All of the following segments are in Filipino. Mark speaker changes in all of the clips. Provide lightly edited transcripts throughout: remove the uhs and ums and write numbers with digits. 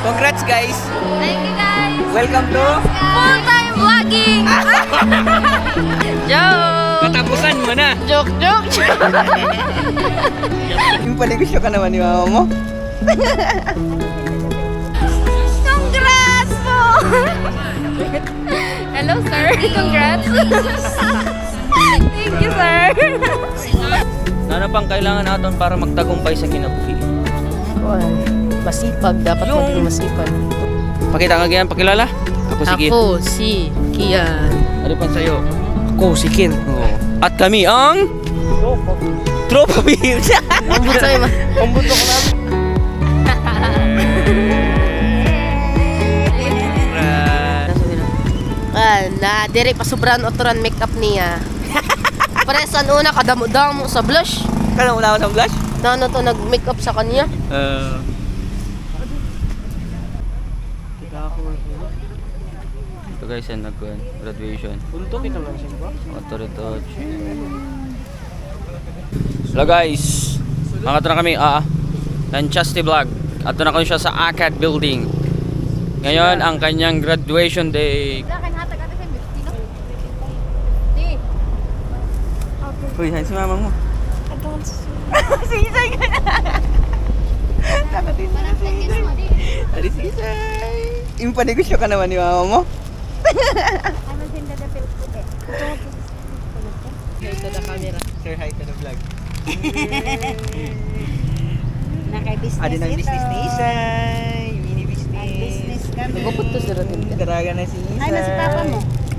Speaker 1: Congrats guys!
Speaker 2: Thank you guys!
Speaker 1: Welcome to
Speaker 2: Full-time vlogging! Joke!
Speaker 1: katapusan mo na!
Speaker 2: Joke!
Speaker 1: Yung paligusyo ka naman ni mama mo.
Speaker 2: Congrats po! Hello sir, congrats! Thank you sir!
Speaker 1: Ano pang kailangan natin para magtagumpay sa kinabuhi?
Speaker 3: Masipag, dapat
Speaker 1: Yung-
Speaker 3: maging masipag.
Speaker 1: Pakita ka ganyan, pakilala? Ako si Kian.
Speaker 3: Ako si Kian.
Speaker 1: Ano pa sa'yo?
Speaker 3: Ako si Kin.
Speaker 1: Oo. At kami ang Tropa Beers!
Speaker 3: Ambot sa'yo ma. Ambot ako namin. Na dire pa sobrang otoran makeup niya. Paresan una kadamo-damo sa blush.
Speaker 1: Kala mo na ako sa blush?
Speaker 3: Nano to nag-makeup sa kanya.
Speaker 1: Ito guys, yan graduation.
Speaker 3: Punto kita lang siya ba?
Speaker 1: Touch. Hello guys, makato na kami ng Chasti Vlog. Ato na kami siya sa ACAD building. Ngayon ang kanyang graduation day. Uy, han si mama mo. Sisay ka na. Nakatin na sisay. Ari sisay. Yung panegosyo ka naman ni mama mo.
Speaker 3: Here to the camera.
Speaker 1: Sir, hi to the vlog.
Speaker 4: Naka-business
Speaker 1: Adi ng
Speaker 4: ito.
Speaker 1: business ni Isay. Mini business.
Speaker 4: Business kami.
Speaker 3: Nagupot to sila din.
Speaker 1: Daraga na si Isay.
Speaker 4: Ay, na si papa mo.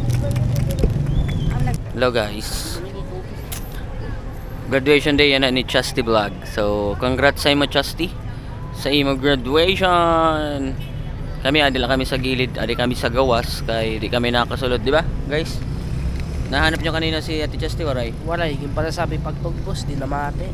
Speaker 1: Hello guys. Graduation day yan na ni Chasti Vlog. So, congrats sa imo Chasti sa imo graduation. Kami adi lang kami sa gilid, adi kami sa gawas kay di kami nakasulod, di ba? Guys. Nahanap nyo kanina si Ate Chasti waray.
Speaker 3: Wala, yung pala sabi pagtugbos, di na mate.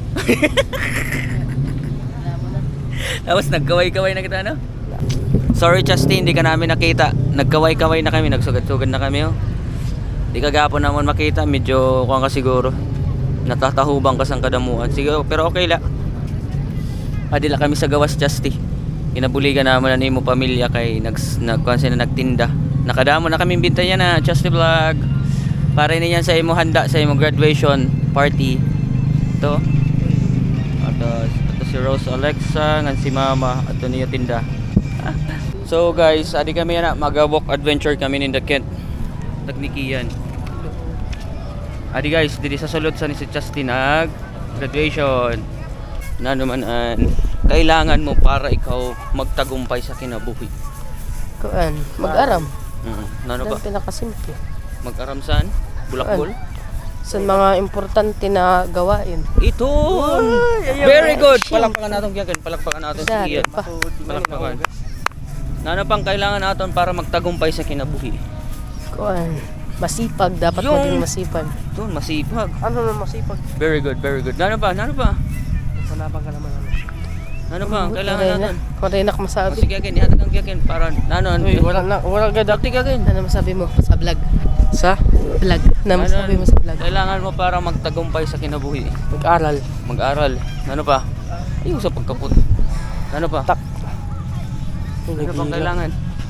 Speaker 1: Tapos nagkaway-kaway na kita, no? Sorry Chasti, hindi ka namin nakita. Nagkaway-kaway na kami, nagsugad-sugad na kami, oh. Di kagapon naman makita, medyo kuwan ka siguro. Natatahubang ka sa kadamuan. Sige, pero okay la. Adila kami sa gawas Chasti. Kinabuligan naman na imo pamilya kay nagkuan sila nagtinda. Nakadamo na kaming bintayan na Chasti Vlog. Para na yan sa imo handa sa imo graduation party. Ito. Ito si Rose Alexa, ngan si Mama, ato niya tinda. So guys, adi kami na mag-walk adventure kami in the Kent. Teknikian. Adi guys, diri sa sulod sa ni si Chasti nag graduation. Na naman kailangan mo para ikaw magtagumpay sa kinabuhi.
Speaker 3: Kuan, mag-aram.
Speaker 1: Ano ba?
Speaker 3: Yan pinakasimple.
Speaker 1: Mag-aram saan? Bulakbol?
Speaker 3: Sa mga importante na gawain.
Speaker 1: Ito! Very good! Palakpakan natin Kian. Palakpakan natin si
Speaker 3: Sa
Speaker 1: Kian.
Speaker 3: pa.
Speaker 1: Palakpakan. Ano pang kailangan natin para magtagumpay sa kinabuhi?
Speaker 3: Kuan, masipag, dapat
Speaker 1: Yung-
Speaker 3: maging masipag.
Speaker 1: Ito, masipag.
Speaker 3: Ano na masipag?
Speaker 1: Very good, very good. Ano pa? Ano pa?
Speaker 3: Panabang ka naman.
Speaker 1: Ano pa? ang Kailangan natin.
Speaker 3: Kung rin ako
Speaker 1: O,
Speaker 3: masabi.
Speaker 1: sige Kian, ihatag ang Kian para ano?
Speaker 3: Uy, wala gada.
Speaker 1: Dakti Kian.
Speaker 3: Ano masabi mo sa vlog? Sa vlog. Ano masabi mo sa vlog?
Speaker 1: Kailangan mo para magtagumpay sa kinabuhi.
Speaker 3: Mag-aral.
Speaker 1: Mag-aral. Ano pa? Ayun sa pagkaput. Ano pa?
Speaker 3: Tak.
Speaker 1: Ano pang kailangan?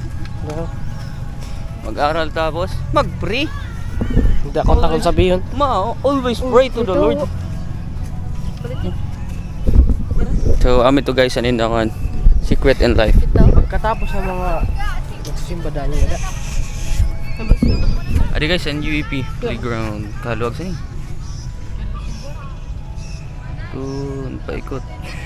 Speaker 1: Mag-aral tapos mag-pray.
Speaker 3: Hindi akong takot sabihin.
Speaker 1: Always pray to the Lord. So, amin to guys, anin ang secret in life.
Speaker 3: Pagkatapos ng mga nagsisimba dahil nila.
Speaker 1: Adi guys, NUEP playground. Kaluwag sa ni. Doon, paikot.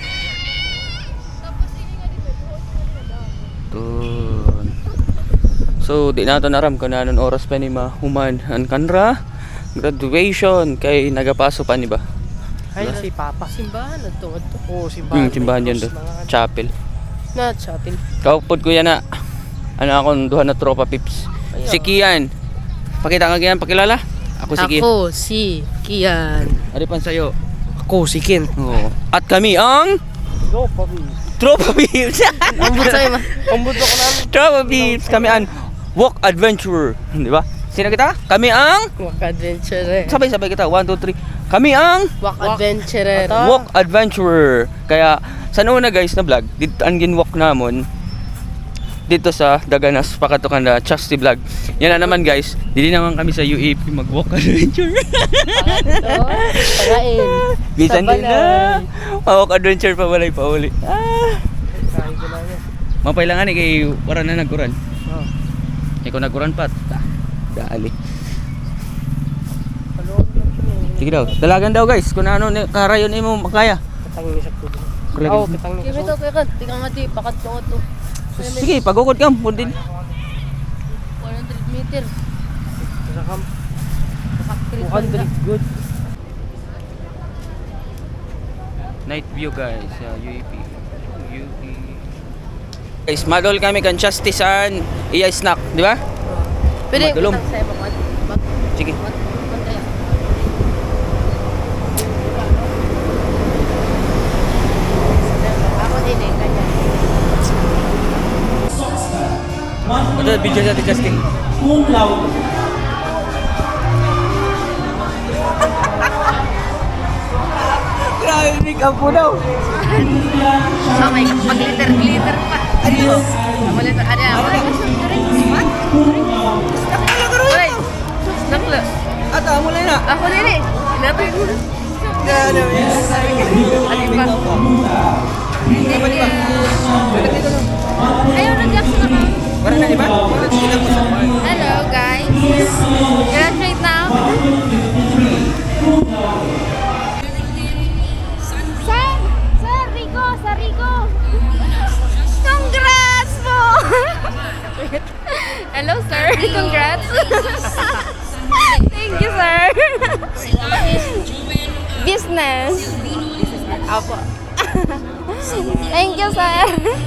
Speaker 1: Doon. So, di nato naram kung nanon oras pa ni mahuman ang kanra graduation kay nagapaso pa ni ba?
Speaker 3: Ay, si Papa. Simbahan na to. Oo, simbahan.
Speaker 1: Simbahan yan doon. Chapel.
Speaker 3: Na, chapel.
Speaker 1: Kaupod ko yan na. Ano akong duha na tropa pips. Si Kian. Pakita ka Kian, pakilala. Ako si Kian.
Speaker 3: Ako si Kian.
Speaker 1: Ano pan sa'yo?
Speaker 3: Ako si Kin.
Speaker 1: Oo. At kami ang
Speaker 3: Go, Papi.
Speaker 1: Tropa Pips.
Speaker 3: Ambot sa'yo ma. Ambot ako namin.
Speaker 1: Tropa Pips. Kami ang Walk Adventurer. Di ba? Sino kita? Kami ang
Speaker 3: Walk adventurer.
Speaker 1: sabay-sabay kita. 1, 2, 3. Kami ang
Speaker 3: Walk adventurer.
Speaker 1: Walk Adventurer. Kaya sa una guys na vlog, dito ang ginwalk namon dito sa Daganas, Pakatukan na Chasti Vlog. Yan na naman guys, dili naman kami sa UAP mag-walk adventure.
Speaker 3: Pagain.
Speaker 1: Bisan
Speaker 3: Sa
Speaker 1: din na. Walk adventure pa balay pa uli. Mapailangan ni kay wala na nagkuran. Ikaw nagkuran pa. Dali. Sige daw, dalagan daw guys, kung ano karayon imo makaya.
Speaker 3: Oo, kitang ni. Kimi to kay kan, tingnan nga di pakat ko to.
Speaker 1: Sige, pagukod ka, pundin.
Speaker 3: 100 meter. 200 good.
Speaker 1: Night view guys, UAP. Guys, madol kami kan Chastisan, iya snack, di ba?
Speaker 3: Pwede
Speaker 1: Madulom.
Speaker 3: kitang sa ibang
Speaker 1: Sige.
Speaker 3: Ako din eh, kanya.
Speaker 1: Ito, video sa Justin. Grabe, make up po daw.
Speaker 3: So, may mag-glitter pa. Ano? Mag-glitter, ano? What? Uy, nakla.
Speaker 1: Ata, mula na.
Speaker 3: Ako din eh. Inatay mo.
Speaker 1: Grabe.
Speaker 3: Ano ba?
Speaker 1: Hindi ba?
Speaker 2: Ayaw na Jackson na ka.
Speaker 1: Para na, di ba? Kita mo sa
Speaker 2: Hello guys. Graduate na ako. Sa Rico. Congrats po! Hello sir, congrats. Thank you sir. Business. Apo. Thank you sir.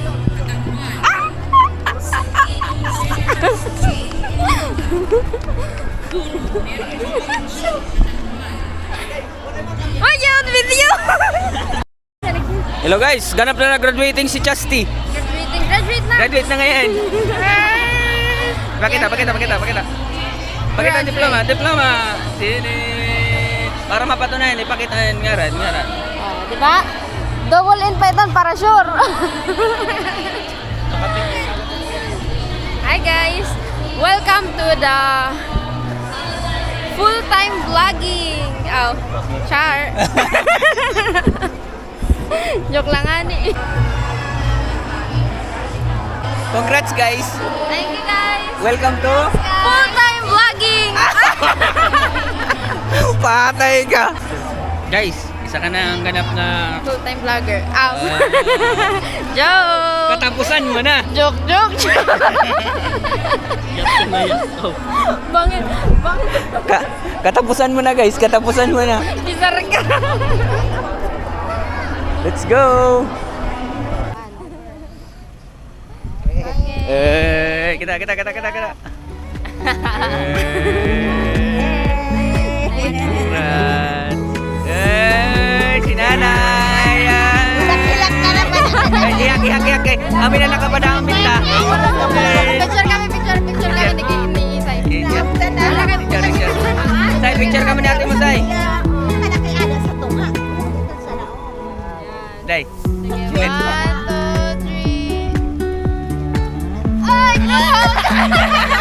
Speaker 2: Oh, yun, video!
Speaker 1: Hello guys, ganap na graduating si Chasti.
Speaker 2: Graduate na!
Speaker 1: Graduate na ngayon. Pakita. Pakita ang diploma. Sini. Para mapatunayan, ipakita yung ngaran.
Speaker 2: Oh, di ba? Double invite para sure. Hi guys, welcome to the full-time vlogging. Oh, char. Joke lang nga ni.
Speaker 1: Congrats guys.
Speaker 2: Thank you guys.
Speaker 1: Welcome to
Speaker 2: Full-time vlogging.
Speaker 1: Patay ka. Guys, isa ka na ang ganap na
Speaker 2: Full-time vlogger. Ow. Joke.
Speaker 1: katapusan mo na.
Speaker 2: Joke. Bangin.
Speaker 1: Katapusan mo na guys, katapusan mo na.
Speaker 2: Bizar ka.
Speaker 1: Let's go. Kita. Si nanay. Iyak. Amin na nakapadang minta.
Speaker 2: Picture kami. Nag-iisay.
Speaker 1: Say, picture kami natin mo, Say. Day.
Speaker 2: 1, 2, 3. Ay, no!